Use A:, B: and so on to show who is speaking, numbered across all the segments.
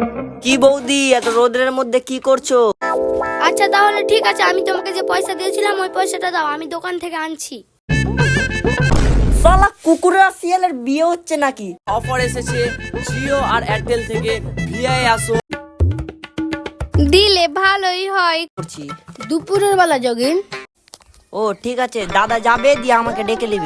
A: কি বৌদি, এত রোদের মধ্যে কি করছো?
B: আচ্ছা তাহলে ঠিক আছে, আমি তোমাকে যে পয়সা দিয়েছিলাম ওই পয়সাটা দাও, আমি দোকান থেকে আনছি।
A: শালা কুকুর আর শিয়ালের বিয়ে হচ্ছে নাকি?
C: অফার এসেছে জিও আর এয়ারটেল থেকে ভিআই আসো।
B: দিলে ভালোই হয়।
A: করছি।
B: দুপুরের বেলা যোগিন।
A: ও ঠিক আছে, দাদা যাবে দিয়ে আমাকে ডেকে নেবে।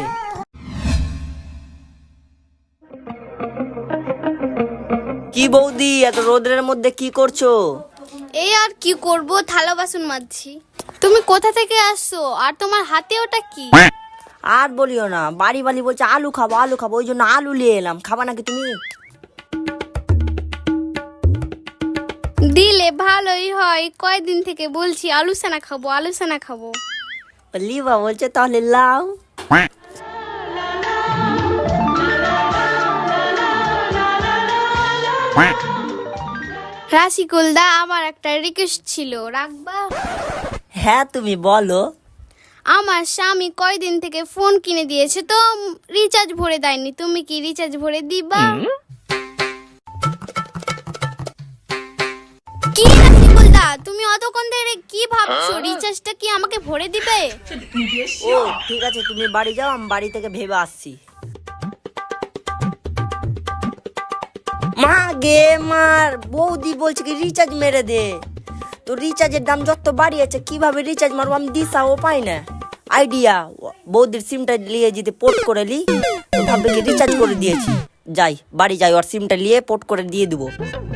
A: কি বৌদি, এত রোদের মধ্যে কি করছো?
B: এই আর কি করব, থালা বাসন মাজছি। তুমি কোথা থেকে আসছো আর তোমার হাতে ওটা কি?
A: আর বলিও না, বাড়ি বাড়ি বলছে আলু খাবো আলু খাবো, ওই জন্য আলু নিয়ে এলাম। খাবা নাকি তুমি?
B: দিলে ভালোই হয়, কয়দিন থেকে বলছি আলু সানা খাবো আলু সানা খাবো।
A: লিবা বলছে তাহলে লাও।
B: রাশিকুলদা, আমার একটা রিকোয়েস্ট ছিল, রাখবা?
A: হ্যাঁ তুমি বলো।
B: আমার স্বামী কয়দিন থেকে ফোন কিনে দিয়েছে, তো রিচার্জ ভরে দেয়নি, তুমি কি রিচার্জ ভরে দিবা? কি রাশিকুলদা, তুমি অতক্ষণ ধরে কি ভাবছো? রিচার্জটা কি আমাকে ভরে দিবে?
A: ও ঠিক আছে, তুমি বাড়ি যাও, আমি বাড়ি থেকে ভেবে আসছি। মা গে মার, বৌদি বলছে কি রিচার্জ মেরে দে। তো রিচার্জের দাম যত বাড়িয়েছে, কিভাবে রিচার্জ মারবো আমি দিশাও পাই না। আইডিয়া, বৌদির সিমটা নিয়ে যদি পোর্ট করে লি, তো ভাববে কি রিচার্জ করে দিয়েছি। যাই বাড়ি যাই, ওর সিমটা নিয়ে পোর্ট করে দিয়ে দেবো।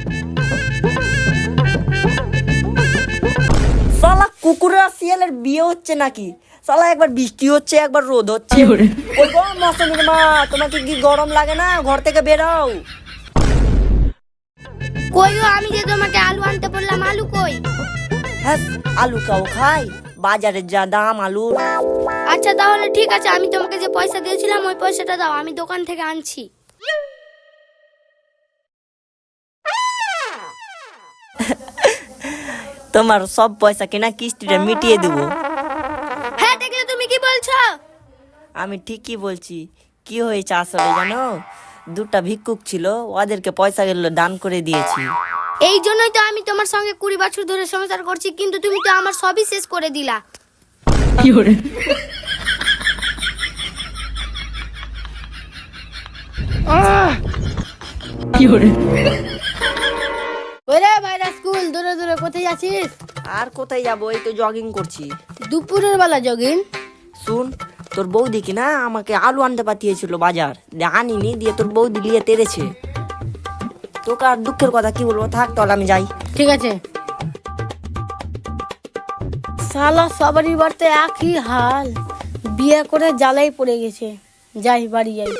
A: শালা কুকুর আর শিয়ালের বিয়ে হচ্ছে নাকি? শালা একবার বৃষ্টি হচ্ছে একবার রোদ হচ্ছে। ওই গো মৌসুমীর মা, তোমাকে কি গরম লাগে না? ঘর থেকে বেরাও।
B: কই গো, আমি যে তোমাকে আলু আনতে বললাম, আলু কই?
A: হ্যাঁ, আলু কাও খাই, বাজারের যা দাম আলু।
B: আচ্ছা তাহলে ঠিক আছে, আমি তোমাকে যে পয়সা দিয়েছিলাম ওই পয়সাটা দাও, আমি দোকান থেকে আনছি।
A: তোমার সব পয়সা কিনা কিস্তিটা মিটিয়ে দেবো।
B: হ্যাঁ দেখলে, তুমি কি বলছো?
A: আমি ঠিকই বলছি। কি হয়েছে আসলে জানো, দুটা ভিক্ষুক ছিল, ওদেরকে পয়সা গেল দান করে দিয়েছি।
B: এই জন্যই তো আমি তোমার সঙ্গে 20 বছর ধরে সংসার করছি, কিন্তু তুমি তো আমার সবই শেষ করে দিলা। ওরে ভাইরা, স্কুল দূরে দূরে কোথায় যাচ্ছিস?
A: আর কোথায় যাবো, এই তো জগিং করছি।
B: দুপুরের বেলা যোগিন।
A: শুন, তোর বৌদি কি না আমাকে আলু আনতে পাঠিয়েছিল বাজার, দিয়ে আনিনি, দিয়ে তোর বৌদি নিয়ে তেড়েছে। তোকে আর দুঃখের কথা কি বলবো, থাক তাহলে আমি যাই।
B: ঠিক আছে। শালা সবারই বাড়িতে একই হাল, বিয়ে করে জ্বালাই পড়ে গেছে। যাই বাড়ি যাই।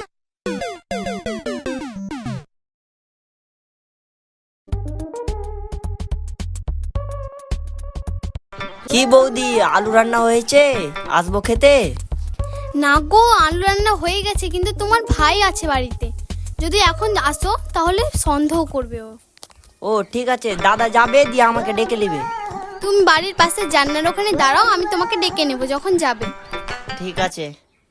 A: কি বৌদি, আলু রান্না হয়েছে, আসবো খেতে?
B: না গো, আলু রান্না হয়ে গেছে, কিন্তু তোমার ভাই আছে বাড়িতে, যদি এখন আসো তাহলে সন্দেহ করবে ও।
A: ও ঠিক আছে, দাদা যাবে দিয়ে আমাকে ডেকে নেবে।
B: তুমি বাড়ির পাশে জান্নার ওখানে দাঁড়াও, আমি তোমাকে ডেকে নেবো যখন যাবে।
A: ঠিক আছে।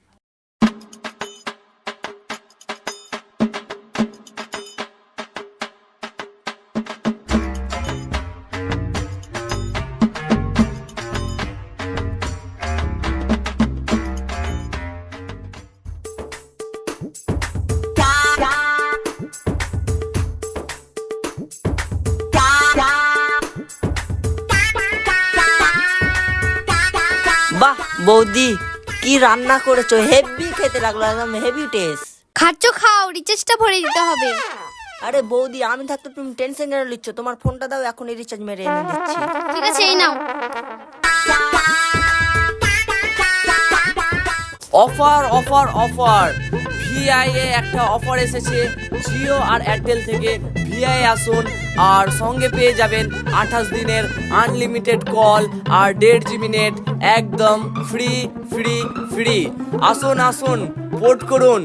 A: বাহ বৌদি, কি রান্না করেছো, হেভি খেতে লাগলো, একদম হেভি টেস্ট।
B: খাচ্ছ খাও, রিচার্জটা ভরে দিতে হবে।
A: আরে বৌদি, আমি থাকতে তুমি টেনশন কেন নিচ্ছ? তোমার ফোনটা দাও, এখনই রিচার্জ মেরে এনে দিচ্ছি।
B: ঠিক আছে, এই নাও।
C: অফার অফার অফার, ভিআই এ একটা অফার এসেছে জিও আর এয়ারটেল থেকে। ভিআই আসুন আর সঙ্গে পেয়ে যাবেন 28 দিনের আনলিমিটেড কল আর 1.5 GB নেট, একদম ফ্রি ফ্রি ফ্রি। আসুন আসুন, পোর্ট করুন।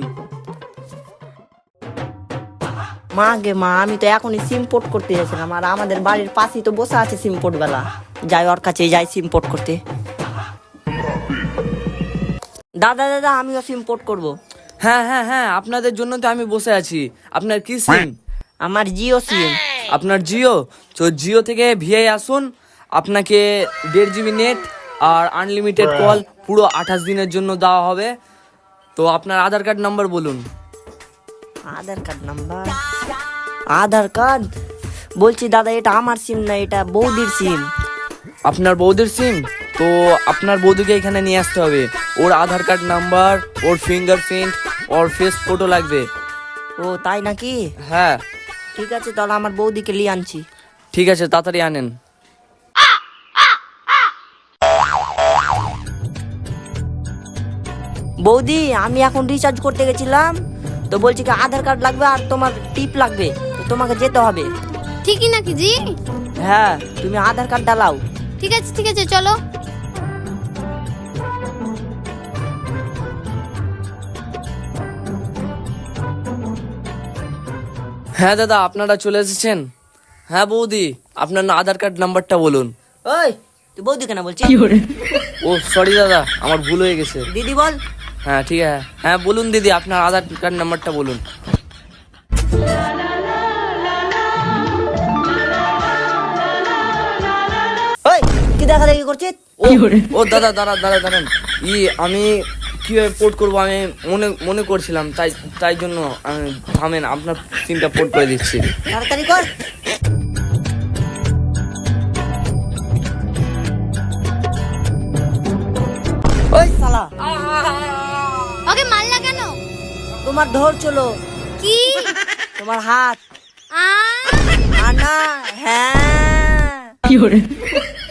A: মা গে মা, আমি তো এখনই সিম পোর্ট করতে যাচ্ছিলাম, আর আমাদের বাড়ির পাশেই তো বসে আছে সিম পোর্ট বেলা। যাই ওর কাছে যাই সিম পোর্ট করতে। দাদা দাদা, আমিও সিম পোর্ট করবো।
C: হ্যাঁ হ্যাঁ হ্যাঁ, আপনাদের জন্য তো আমি বসে আছি। আপনার কি সিম?
A: আমার জিও সিম।
C: আপনার জিও, তো জিও থেকে ভিআই আসুন, আপনাকে 1.5 GB নেট আর আনলিমিটেড কল পুরো 28 দিনের জন্য দেওয়া হবে। তো আপনার আধার কার্ড নাম্বার বলুন।
A: Aadhaar card number? Aadhaar card? বলছি দাদা এটা আমার সিম না, এটা বৌদির সিম।
C: আপনার বৌদির সিম? তো আপনার বৌদিকে এখানে নিয়ে আসতে হবে। ওর আধার কার্ড নাম্বার, ওর ফিঙ্গারপ্রিন্ট, ওর ফেস ফটো লাগবে।
A: ও তাই নাকি?
C: হ্যাঁ
A: ঠিক আছে, তাহলে আমার বৌদিকে নিয়ে আনছি।
C: ঠিক আছে, তাড়াতাড়ি আনেন।
A: বৌদি, আমি এখন রিচার্জ করতে গেছিলাম, তো বলছি কি আধার কার্ড লাগবে আর তোমার টিপ লাগবে, তো তোমাকে যেতে হবে।
B: ঠিকই নাকি জি?
A: হ্যাঁ, তুমি আধার কার্ড ডালাও।
B: ঠিক আছে চলো।
C: হ্যাঁ দাদা, আপনারা চলে এসেছেন। হ্যাঁ বৌদি, আপনার আধার কার্ড নাম্বারটা বলুন।
A: ওই তুই বৌদি কেন বলছিস?
C: ও সরি দাদা, আমার ভুল হয়ে গেছে।
A: দিদি বল।
C: হ্যাঁ ঠিক আছে, হ্যাঁ বলুন দিদি, আপনার আধার কার্ড নাম্বারটা বলুন।
A: ওই কি দেখা দেখি করছিস?
C: ও দাদা দাঁড়ান। আমি কিভাবে পোর্ট করবো আমি মনে করছিলাম, তাই জন্য আমি থামেন, আপনার সিমটা পোর্ট করে দিচ্ছি।
A: তাড়াতাড়ি কর। ওই শালা,
B: ওকে মারলা কেন?
A: তোমার ধর চলো,
B: কি?
A: তোমার হাত।
B: আ
A: আনা, হ্যাঁ।